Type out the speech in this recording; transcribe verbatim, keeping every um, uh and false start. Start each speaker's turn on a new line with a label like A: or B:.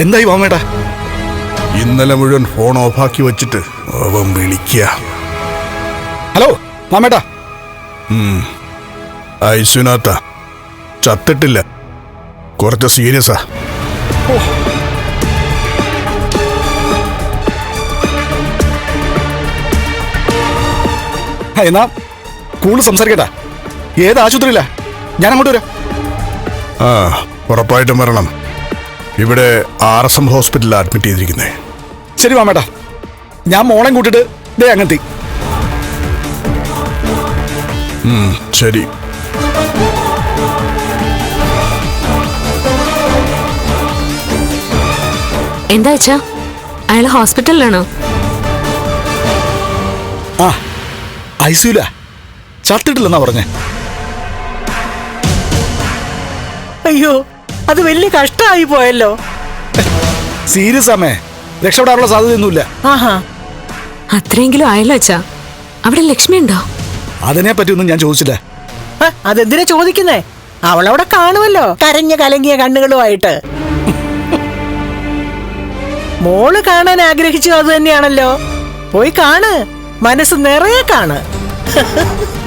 A: എന്തായി മാമേട്ടാ?
B: ഇന്നലെ മുഴുവൻ ഫോൺ ഓഫാക്കി വെച്ചിട്ട് അവൻ വിളിക്കുക.
A: ഹലോ മാമേട്ടാ.
B: ഐസുനാത്ത ചത്തിട്ടില്ല, കുറച്ച് സീരിയസാ.
A: എന്നാ കൂടുതൽ സംസാരിക്കട്ടാ. ഏത് ആശുപത്രിയില്ല? ഞാൻ അങ്ങോട്ട് വരാം.
B: ആ ഉറപ്പായിട്ടും വരണം. ഇവിടെ ആർ എസ് എം ഹോസ്പിറ്റലിൽ അഡ്മിറ്റ് ചെയ്തിരിക്കുന്നേ.
A: ശരി മാമേട്ടാ, ഞാൻ മോളെ കൂട്ടിട്ട് ദേ അങ്ങെത്തി.
B: ശരി.
C: എന്താ വെച്ചാ അയാൾ ഹോസ്പിറ്റലിലാണോ?
A: ആ ഐസിയുല ചത്തിട്ടില്ലെന്നാ പറഞ്ഞേ.
D: അയ്യോ, അത് വലിയ കഷ്ടമായി പോയല്ലോ.
A: സീരിയസ് ആമേ, രക്ഷപ്പെടാനുള്ള സാധ്യതയൊന്നുമില്ല.
D: ആഹാ,
C: അത്രയെങ്കിലും ആയല്ലോ അച്ഛാ. അവിടെ ലക്ഷ്മി ഉണ്ടോ?
A: അതിനെ പറ്റിയൊന്നും ഞാൻ ചോദിച്ചില്ല.
D: അതെന്തിനാ ചോദിക്കുന്നേ? അവളവിടെ കാണുമല്ലോ, കരഞ്ഞ കലങ്ങിയ കണ്ണുകളുമായിട്ട്. മോള് കാണാൻ ആഗ്രഹിച്ചു അത് തന്നെയാണല്ലോ. പോയി കാണ്, മനസ്സ് നിറയെ കാണ്.